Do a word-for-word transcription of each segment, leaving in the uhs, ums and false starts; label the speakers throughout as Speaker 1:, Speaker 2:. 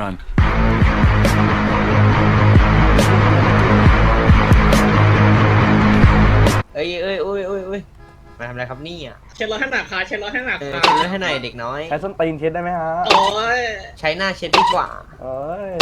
Speaker 1: run.
Speaker 2: เอ้ยเอ้ยเอ้ยเอ้ยเอ้ยมาทำอะไรครับนี่อ่ะ
Speaker 3: เช็ดรถให้หนักค่ะเช็ดรถให้หนัก
Speaker 2: เออ
Speaker 3: ค่ะ
Speaker 2: เช็ดรถให้หน่อยเด็กน้อย
Speaker 4: ใช้ส้นตีนเช็ดได้ไหมฮะ
Speaker 3: โอ้ย
Speaker 2: ใช้หน้าเช็ดดีกว่า
Speaker 4: เอ้ย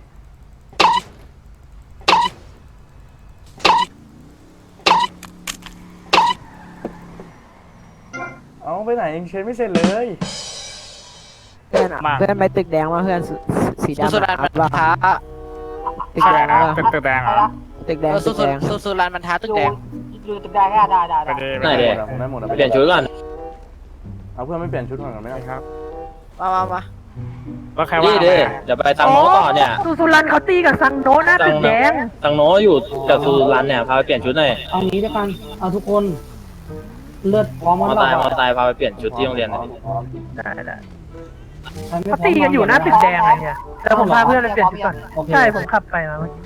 Speaker 4: เอาไปไหนยังเช็ดไม่เสร็จเลย
Speaker 5: เพื่อนอะเพื่อนไปตึกแดงมาเพื่อนสสีดำ
Speaker 6: สุดรันมัน
Speaker 5: ว่า
Speaker 6: ท้า
Speaker 5: ตึกแดงว่า
Speaker 7: ตึกตึกแดงเหรอ
Speaker 5: ตึกแดง
Speaker 6: สุ
Speaker 5: ตึ
Speaker 6: ด
Speaker 5: ก
Speaker 6: สุด
Speaker 5: แดง
Speaker 6: สุดสุดรันมันท้าตึกแดง
Speaker 8: อยู่ตึกแดงได้ได้ได้
Speaker 7: ไปดี
Speaker 4: ไหนเด็ผมได้หมดอะ
Speaker 9: เปลี่ยนชุดก่อน
Speaker 4: เอาเพื่อนไม่เปลี่ยนชุดก่อนกันไม่ได้ครับ
Speaker 6: มามามา
Speaker 7: แล้วใคร
Speaker 9: นี่
Speaker 7: ว่า
Speaker 9: ดิเดี๋ยวไปตังโน้ต่อเนี่ย
Speaker 5: สุสุรันเขาตีกับซังโนนะตึกแดง
Speaker 9: ตังโน้อยู่กับซูรันเนี่ยพาไปเปลี่ยนชุดหน่อย
Speaker 8: เอางี้ด้วยกันเอาทุกคนเลือดพร้อม
Speaker 9: มอตายมอตายพาไปเปลี่ยนชุดที่โรงเรียนหน่อย
Speaker 5: ได้ได้
Speaker 8: เขา
Speaker 5: เขาตีกันอยู่หน้าตึกแดงไงเนี่ยแล้วผมพาเพื่อนไปเปลี่ยนชุดก่อนใช่ผมขับไปมาเมื่อกี้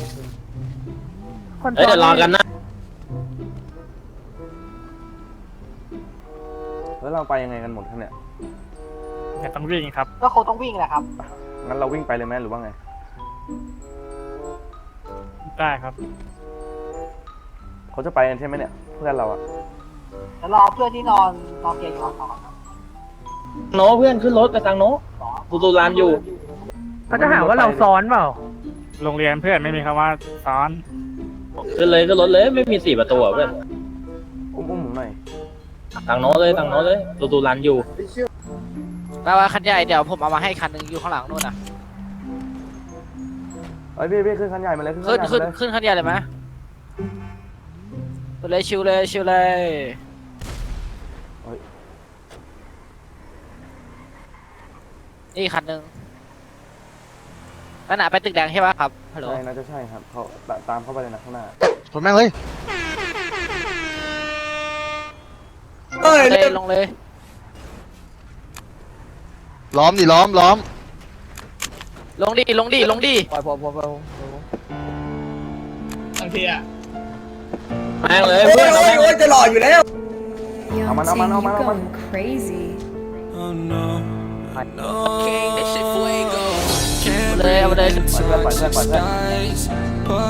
Speaker 5: คน
Speaker 9: เฮ้ยเดี๋ยวรอกันนะ
Speaker 4: แล้วเราไปยังไงกันหมดครับเนี่ย
Speaker 7: เนี่ยต้องวิ่งครับ
Speaker 8: ก็คงต้องวิ่งแหละครับ
Speaker 4: งั้นเราวิ่งไปเลยไหมหรือว่าไง
Speaker 7: ได้ครับ
Speaker 4: เขาจะไปกันใช่ไหมเนี่ยเพื่อนเราอะ
Speaker 8: แล้วรอเพื่อนที่นอนนอนเตียงอยู่ก่อน
Speaker 9: โน้เพื่อนขึ้นรถไปตังโน้ซูซูรันอยู่
Speaker 5: เขาจะหาว่าเราซ้อนเปล่า
Speaker 7: โรงเรียนเพื่อนไม่มีคำว่าซ้อน
Speaker 9: ขึ้นเลยขึ้นรถเลยไม่มีสี่ประตูอะเพื่อน
Speaker 4: อุ้มอุ้มผมหน่อย
Speaker 9: ตังโน้เลยตังโน้เลยซูซูรันอยู่
Speaker 6: แปลว่าคันใหญ่เดี๋ยวผมเอามาให้คันหนึ่งอยู่ข้างหลังนู่นนะ
Speaker 4: เอ้ยพี่พี่ขึ้นคันใหญ่มาเลยขึ้นคั
Speaker 6: ขึ้
Speaker 4: น
Speaker 6: น
Speaker 4: ใหญ่
Speaker 6: ขึ้น
Speaker 4: มาเลย
Speaker 6: ขึ้นคันใหญ่เลยไหมไปเลยชิวเลยชิวเลยนี่คันหนึ่งนั่นน่ะไปตึกแดงใช่ปะครับฮัลโหล
Speaker 4: ใช่น่าจะใช่ครับเขาตามเข้าไปเลยนะข้างหน้า
Speaker 10: ชนแม่งเลย
Speaker 2: เอ้ย
Speaker 6: เลยลงเลย
Speaker 10: ล้อมดิล้อมล้อม
Speaker 6: ลงดิลงดิลงดิ
Speaker 5: ปล่อยผมผมผม
Speaker 3: บางทีอะ
Speaker 9: แม่งเลยเพื่อนเอาแม่งเลย
Speaker 2: จะหล่ออยู่แล้ว
Speaker 4: เอามันเอามันเอามันเอามัน
Speaker 11: crazy
Speaker 6: เลยเอาไปเลย
Speaker 4: ปล่อยเพื่อนปล่อยเพื่อนปล่อยเพื่อน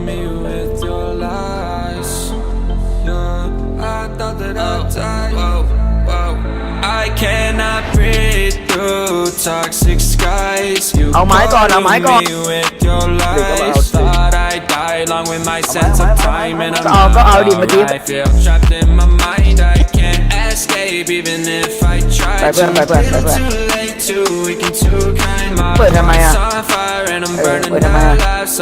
Speaker 5: เอาไม้ก่อนเอาไม้ก่อนก็เอาก็เอาดิเมื่อกี้ไปเพื่อนไปเพื่อนไปเพื่อนเปิดทำไมอ่ะเออเปิดทำไมอ่ะ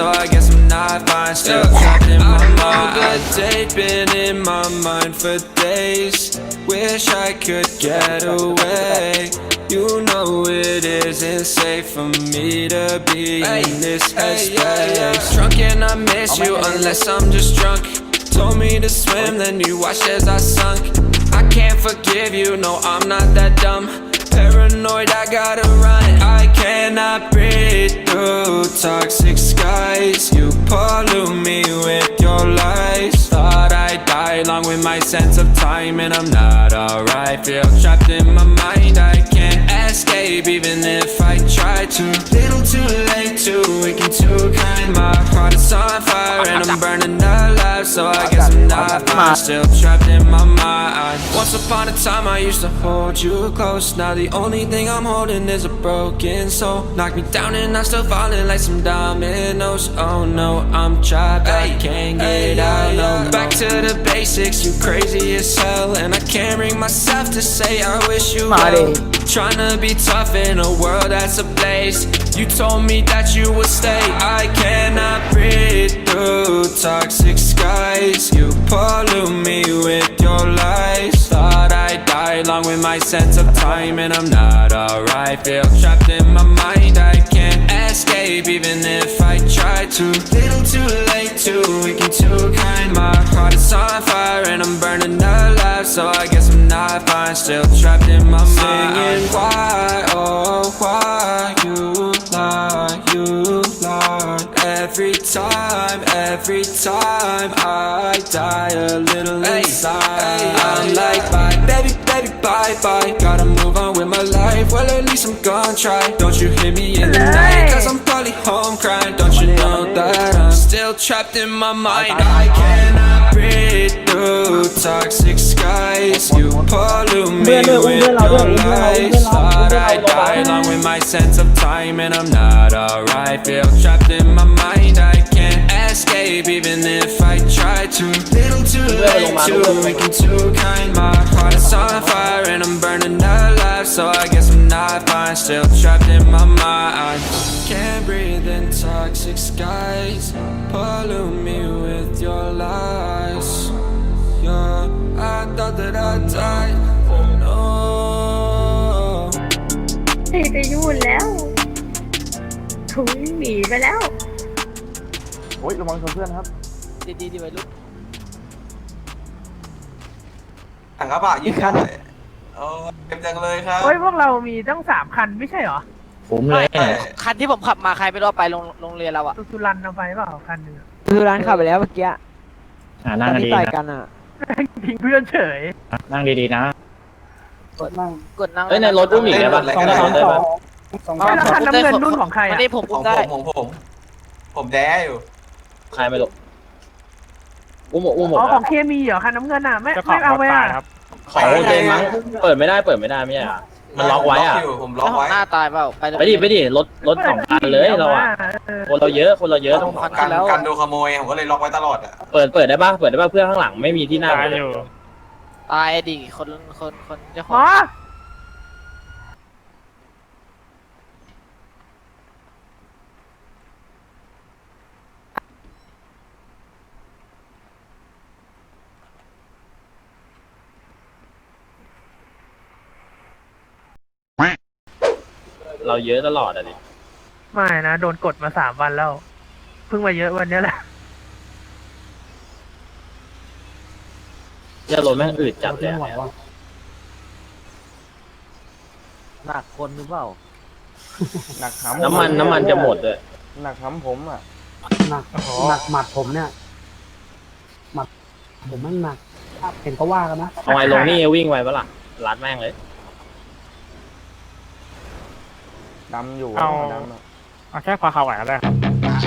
Speaker 12: Wish I could get away. You know it isn't safe for me to be in this headspace. Drunk and I miss you unless I'm just drunk. Told me to swim, then you watched as I sunk. I can't forgive you, no, I'm not that dumb. Paranoid, I gotta run. I cannot breathe through toxic skies. You pollute me with your lies. Thought I'd die along with my sense of time, and I'm not alright. Feel trapped in my mind, I can't escape even if I try to. Little too late, too weak and too kind. My heart is on fire and I'm burning alive, so I guess I'm not fine. Still trapped in my mind. Once upon a time I used to hold you close. Now the only thing I'm holding is a broken soul. Knock me down and I'm still falling like some dominoes. Oh no, I'm trapped, I can't get out. No, back to the basics, you crazy as hell, and I can't bring myself to say I wish you well. Trying to be tough in a world that's ablaze. You told me that you would stay. I cannot breathe through toxic skies. You pollute me with your lies. Thought I'd die along with my sense of time, and I'm not alright. Feel trapped in my mind, I can't escape even if I try to. Little too late, too weak and too kind. My heart is on fire and I'm burning alive, so I guess I'm not fine. Still trapped in my mind. Singing why, oh why you lie, you lie. Every time, every time I die a little inside. I'm like bye, baby, baby, bye, bye. Gotta move on with my life. Well, at least I'm gonna try. Don't you hear me in the night? Cause I'm probably home crying. Don't you know that I'm still trapped in my mind? I cannot breathe through toxic skies. You pollute me with your lies. Thought I'd die along with my sense of time, and I'm not alright. Feel trapped in my mind. I can't escape even if I try to. Little too late, too weak and too kind. My heart is on fire and I'm burning alive. So I guess I'm not fine. Still trapped in my mind. Can't breathe in toxic skies. Pollute me with your lies. Yeah, I thought that I'd die. No.
Speaker 1: เฮ้ยไปยุ่นแล้วถุยหนีไปแล้ว
Speaker 4: โอ้ยระวังชนเพื่อนครับ
Speaker 6: ดีดีดีไว้ลูก
Speaker 2: ถังกระบะยิงคันโอ้เต็มจังเลยครับ
Speaker 5: เฮ้ยพวกเรามีตั้งสามคันไม่ใช่เหรอ
Speaker 9: ผมเลย
Speaker 6: คันที่ผมขับมาใครไม่รู้เอาไปโรงโรงเรียนเราอะ
Speaker 5: สุสุรันเอาไปเปล่าคันหนึงอะ
Speaker 8: คือร้านขับไปแล้วเมื่อกี้
Speaker 9: อ่านั่ง
Speaker 8: ที่
Speaker 9: ดี
Speaker 8: ต่อย
Speaker 9: ๆ
Speaker 8: กั
Speaker 9: นะ
Speaker 8: นอ่ะ
Speaker 5: ทิ้งเพื่อนเฉย
Speaker 9: นั่งดีๆนะ
Speaker 8: กดนั่ง
Speaker 6: กดนั่ง
Speaker 9: เอ้ยในรถอุ้มอีกได้ปะ
Speaker 2: สองสองสอง
Speaker 8: สอง
Speaker 5: เฮ้ยแล้วคันน้ำเงินนุ่นของใคร
Speaker 6: วัน
Speaker 5: อ่ะ
Speaker 6: นี้ผม
Speaker 2: ข
Speaker 6: อุ้
Speaker 2: อง
Speaker 6: ม
Speaker 2: ผ
Speaker 6: ได้
Speaker 2: มของผม ผมแด้อยู่
Speaker 9: ใครไม่รู้อุ้มหมดอุ้มหมด
Speaker 5: อ๋อ
Speaker 9: อะ
Speaker 5: ของเคมีเหรอคันน้ำเงินอ่ะไม่
Speaker 7: เจ้าขอ
Speaker 5: ไม่
Speaker 7: งร
Speaker 5: เอา
Speaker 7: ถ
Speaker 5: ไป
Speaker 7: ตา
Speaker 5: อ่ะ
Speaker 7: ยครับ
Speaker 9: ของโอเคมั้งเปิดไม่ได้เปิดไม่ได้ไม่ใช่เหรอมันล็อกไว้อะ
Speaker 2: ผมผมล็
Speaker 6: แล้
Speaker 2: อ
Speaker 6: ว
Speaker 2: ก
Speaker 6: ของ
Speaker 2: ไว้
Speaker 6: หน้าตายเปล่าไปโรง
Speaker 9: ไป
Speaker 6: เรี
Speaker 9: ดิ
Speaker 6: ยน
Speaker 9: ไปดิรถรถสองคันเลยเราอะ
Speaker 5: เออ
Speaker 9: คนเราเยอะคนเราเยอะ
Speaker 6: ต้องคัน
Speaker 2: กั
Speaker 6: ที่
Speaker 2: น
Speaker 6: แล้ว
Speaker 2: กันโดนขโมยผมก็เลยล็อกไว้ตลอดอ่ะ
Speaker 9: เปิดเปิดได้ปะเปิดได้ปะเพื่อนข้างหลังไม่มีที่นั่ง
Speaker 7: ตายอยู่
Speaker 6: ตายดิคนคนคนเจ้าข
Speaker 5: หม
Speaker 6: อง
Speaker 5: อ
Speaker 9: เราเยอะตลอดอะดิ
Speaker 5: ไม่นะโดนกดมาสามวันแล้วเพิ่งมาเยอะวันนี้แหละ
Speaker 9: เจ้ารถแม่งอืดจัดเลย
Speaker 8: ไม่ไหว
Speaker 9: อะ
Speaker 8: ว่ะ
Speaker 6: หนักคนหรือเปล่า
Speaker 4: หนักหำ
Speaker 9: น้ำมันน้ำมันจะหมดเลย
Speaker 4: หนักหำผมอ่ะ
Speaker 8: หนักหนักหมัดผมเนี่ยหมัดผมไม่หนักเห็นก็ว่ากันนะ
Speaker 9: เอาไงลงนี่วิ่งไวปะล่ะรัดแม่งเลย
Speaker 4: ดำอยู่
Speaker 7: เอา
Speaker 4: ดำอะ
Speaker 7: เอาแค่พอเขาไหวก็ได้ครับ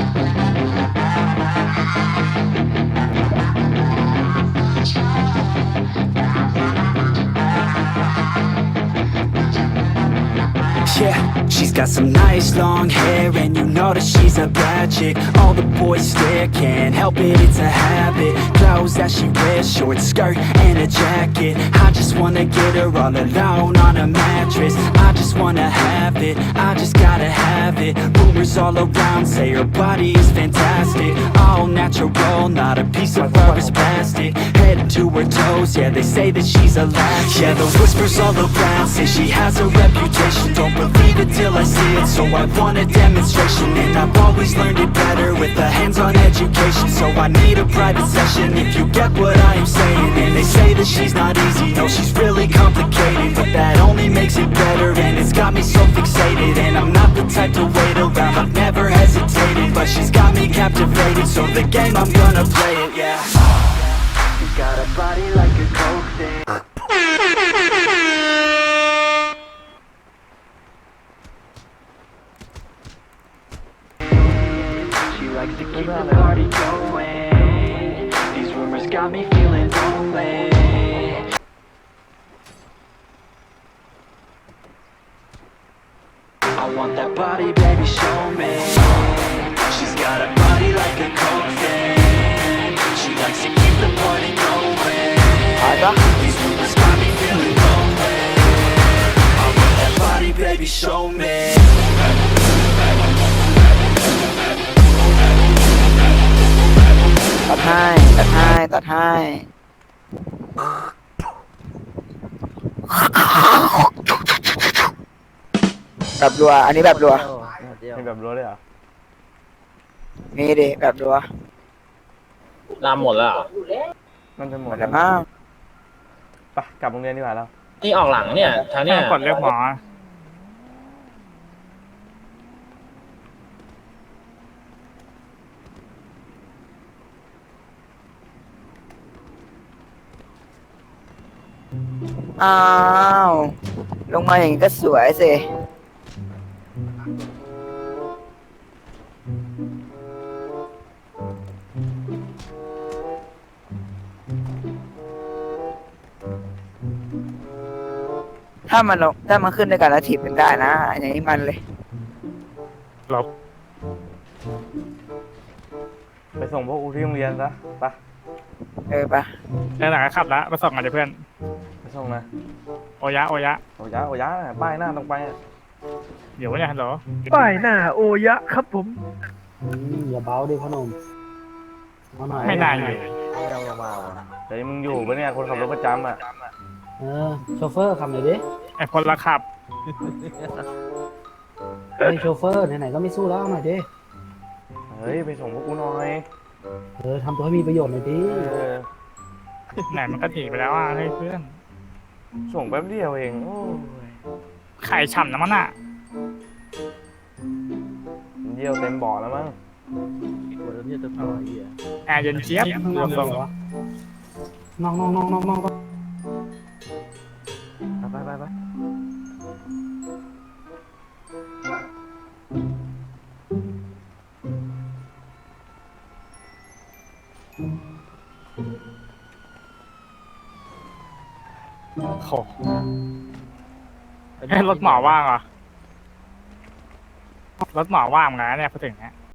Speaker 12: Yeah, she's got some nice long hair, and you know that she's a bad chick. All the boys stare, can't help it, it's a habit. Clothes that she wears, short skirt and a jacket. I just wanna get her all alone on a mattress. I just wanna have it, I just gotta have it. Rumors all around say her body is fantastic. All natural, not a piece of fur is plastic. Head to her toes, yeah, they say that she's a latch. Yeah, the whispers all around say she has a reputation. Don't believe it till I see it, so I want a demonstration. And I've always learned it better with a hands-on education. So I need a private session if you get what I am saying. And they say that she's not easy, no, she's really complicated. But that only makes it better, and it's got me so fixated. And I'm not the type to wait around, I've never hesitated. But she's got me captivated, so the game, I'm gonna play it, yeah. You got a body like a coke thing. She likes to keep the party going. These rumors got me feeling lonely. I want that body, baby, show me. She's got a body like a coke thing. She likes to keep the party going. These rumors got me feeling lonely. I want that body, baby, show me.
Speaker 8: ตัดให้ตัดให้ตัดให้แบบรัวอันนี้แบบรัว
Speaker 4: เป็นแบบรั้วเลยเหรอ
Speaker 8: นี่ดิแบบรัว
Speaker 9: ลามหมดแล้วเหรอ
Speaker 4: มันจะหม
Speaker 8: หม
Speaker 4: ด
Speaker 8: ดแล้วมั้ง
Speaker 4: ไปกลับโรงเรียนดีกว่าเรา
Speaker 9: นี่ออกหลังเนี่ยทางเนี้ย
Speaker 7: กดเรียกหมอ
Speaker 8: อ้าวลงมาอย่างนี้ก็สวยสิ
Speaker 1: ามันลงถ้ามันขึ้นด้วยกันแล้วถีบเป็นได้นะอย่างนี้มันเลย
Speaker 7: ลบ
Speaker 4: ไปส่งพวกกูที่โรงเรียนซะไป
Speaker 1: เออปะ
Speaker 7: เออหลังก็ขับแล้วไปส่งกันดิเพื่อน
Speaker 4: ไปส่งนะ
Speaker 7: โอยะโอยะ
Speaker 4: โอ้ยะโอ้ยะน่ะป้ายหน้าตรงไปอะ
Speaker 7: เดี๋ยววะเนี่ยฮัลโหล
Speaker 5: ป้ายหน้าโอยะครับผม
Speaker 8: อืมอย่าเบาดิพ่อหนุ่มเอาหน่อย
Speaker 7: ไม่น่าอยู่
Speaker 4: เฮ้ยมึงอยู่ปะเนี่ยคนขับรถประจำอ่ะ
Speaker 8: เออโชเฟอร์ขับหน่อยดิ
Speaker 7: ไอคนละขับ
Speaker 8: เฮ้ยโชเฟอร์ไหนๆก็ไม่สู้แล้วเอาหน่อยดิ
Speaker 4: เฮ้ยไปส่งพวกกูหน่อย
Speaker 8: เออทำตัวให้มีประโยชน์หน่อยดิ
Speaker 4: เออ
Speaker 7: ไหนมันก็หนีไปแล้วอ่ะเฮ้ยเพื่อน
Speaker 4: ส่งแป๊บเดียวเองโอ้ย
Speaker 7: ไข่ฉ่ำนะมันอ่ะ
Speaker 4: เยี่ยวเต็มบ่อแล้วมั้ง
Speaker 7: แอร์เย็นเจี๊ยบ
Speaker 8: ข้างน
Speaker 7: ร
Speaker 8: อ
Speaker 7: ว
Speaker 8: ก
Speaker 7: ม
Speaker 8: เล
Speaker 7: ทร
Speaker 8: ย
Speaker 7: ง
Speaker 8: เหรอวะนอกนอกนอกนอกนอก
Speaker 4: ไปไปไป
Speaker 7: โอ้โหให้รถหมอว่างเหรอรถหมอว่างเหมือนกันนะเนี่ยพอถึงเนี้ย